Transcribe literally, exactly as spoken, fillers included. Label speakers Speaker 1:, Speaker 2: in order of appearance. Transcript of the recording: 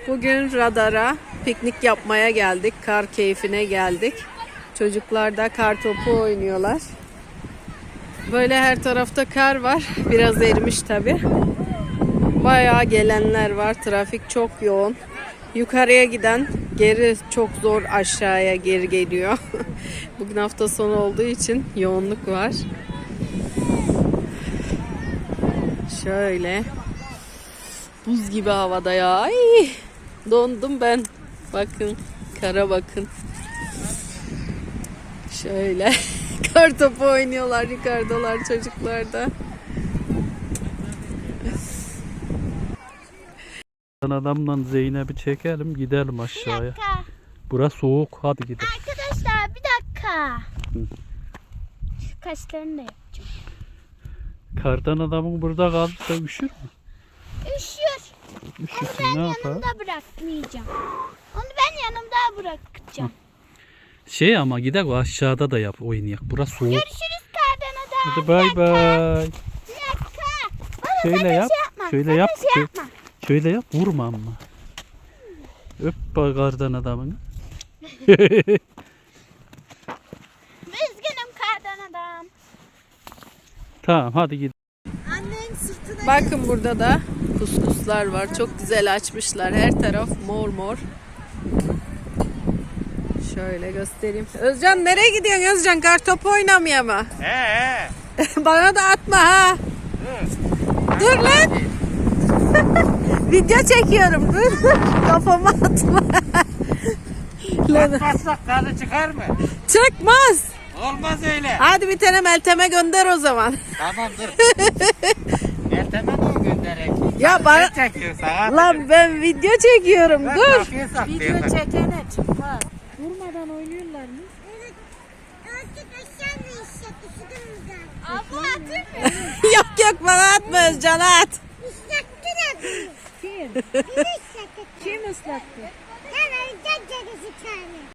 Speaker 1: Bugün radara piknik yapmaya geldik. Kar keyfine geldik. Çocuklar da kar topu oynuyorlar. Böyle her tarafta kar var. Biraz erimiş tabi. Bayağı gelenler var. Trafik çok yoğun. Yukarıya giden geri çok zor aşağıya geri geliyor. Bugün hafta sonu olduğu için yoğunluk var. Şöyle. Buz gibi havada ya. Ay, dondum ben. Bakın. Kara bakın. Şöyle. Kar topu oynuyorlar. Yukarıdalar çocuklar da.
Speaker 2: Adamla Zeynep'i çekelim gidelim aşağıya.
Speaker 3: Bir dakika.
Speaker 2: Burası soğuk, hadi gidelim.
Speaker 3: Arkadaşlar bir dakika. Şu kaşlarını da yapacağım.
Speaker 2: Kardan adamın burada kalırsa üşür mü?
Speaker 3: Üşüyor. Onu
Speaker 2: Üşürsün,
Speaker 3: ben
Speaker 2: ne yapar?
Speaker 3: yanımda bırakmayacağım. Onu ben yanımda bırakacağım.
Speaker 2: Şey ama gidelim aşağıda da yap oynayak. Burası soğuk.
Speaker 3: Görüşürüz kardan adam.
Speaker 2: Hadi bay bay.
Speaker 3: Bir dakika. Baba
Speaker 2: Şöyle
Speaker 3: sakın
Speaker 2: yap.
Speaker 3: şey yapma.
Speaker 2: Şöyle
Speaker 3: sakın
Speaker 2: yap.
Speaker 3: Şey
Speaker 2: Şö-
Speaker 3: yapma.
Speaker 2: Şöyle yap, vurma ama. Öp bak kardan adamını.
Speaker 3: Üzgünüm kardan adam.
Speaker 2: Tamam, hadi gidelim.
Speaker 1: Bakın burada da kuskuslar var. Çok güzel açmışlar. Her taraf mor mor. Şöyle göstereyim. Özcan nereye gidiyorsun Özcan? Kartopu oynamaya mı?
Speaker 4: He he.
Speaker 1: Bana da atma ha. Dur lan. Video çekiyorum. Dur. Kafama atma. Lan,
Speaker 4: Atmazsak tadı çıkar mı?
Speaker 1: çıkmaz.
Speaker 4: Olmaz öyle.
Speaker 1: Hadi bir tane Meltem'e gönder o zaman.
Speaker 4: Tamam dur. Meltem'e mi gönderek?
Speaker 1: Ya bana...
Speaker 4: Sen çekiyorsun ha.
Speaker 1: Lan ben video çekiyorum.
Speaker 4: Ben
Speaker 1: Dur.
Speaker 4: kapıyı saklıyorum.
Speaker 1: çekene çıkmaz. Durmadan oynuyorlar mı?
Speaker 3: Abla atır mı?
Speaker 1: Yok yok bana atma Özcan at.
Speaker 3: Kim? Kim ıslattı?